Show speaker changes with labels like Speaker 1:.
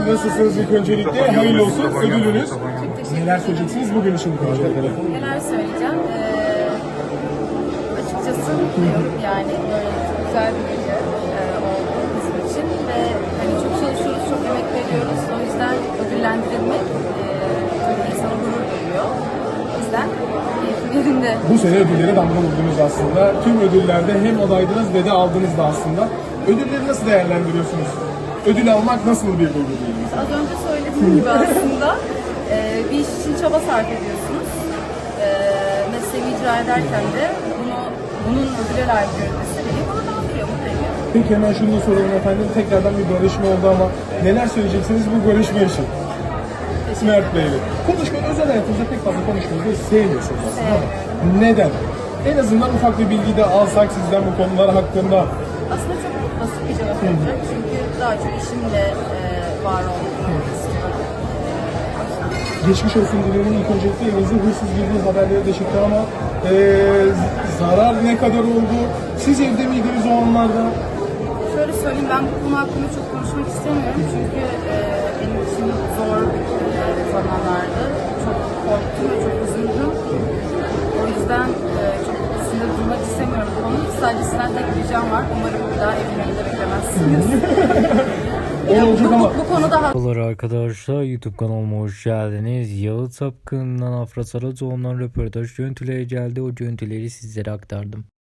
Speaker 1: Nasılsınız ilk öncelikle? Hayırlı olsun ödülünüz.
Speaker 2: Çok teşekkür
Speaker 1: Neler söyleyeceksiniz bugün için bu konuşmada?
Speaker 2: Neler söyleyeceğim? Açıkçası mutluyum. Yani böyle çok güzel bir gece oldu bizim için ve hani çok çalışıyoruz, çok emek veriyoruz. O yüzden ödüllendirilmek çok insana gurur duyuyor. O yüzden keyfim yerinde.
Speaker 1: Bu sene ödüllere damga vurdunuz aslında. Tüm ödüllerde hem adaydınız ve de aldınız da aslında. Ödülleri nasıl değerlendiriyorsunuz? Ödül almak nasıl bir duygu diyelim?
Speaker 2: Az önce söylediğim gibi aslında bir iş için çaba sarf ediyorsunuz. Mesleği icra ederken de bunun ödüle layık görülmesi beni gururlandırıyor, mutlu ediyor.
Speaker 1: Peki hemen şunu da soralım efendim. Tekrardan bir barışma oldu ama neler söyleyeceksiniz bu barışma için? Mert Bey'le. Konuşmayı, özel hayatınızda pek fazla konuşmayı da sevmiyorsunuz aslında ama neden? En azından ufak bir bilgi de alsak sizden bu konular hakkında.
Speaker 2: Aslında çok basit bir cevap olacak çünkü daha çok işimle var olduğum istiyorum.
Speaker 1: Geçmiş olsun dilerim. İlk öncelikle evinizde hırsız girdiği haberleri de çıktı ama zarar ne kadar oldu? Siz evde miydiniz o anlarda?
Speaker 2: Şöyle söyleyeyim, ben bu konu hakkında çok konuşmak istemiyorum çünkü benim için zor zamanlardı. Çok korktum ve çok üzüldüm. O yüzden çok üstünde durmak istemiyorum bu konuyu. Sadece sizden tek bir ricam var. Umarım bir daha evin önünde beklemezsiniz.
Speaker 1: Olacak ama.
Speaker 2: Bu konuda
Speaker 3: Merhabalar arkadaşlar, YouTube kanalıma hoş geldiniz. Yalı Sapkın'dan Afra Saracoğlu'ndan röportaj görüntüleri geldi. O görüntüleri sizlere aktardım.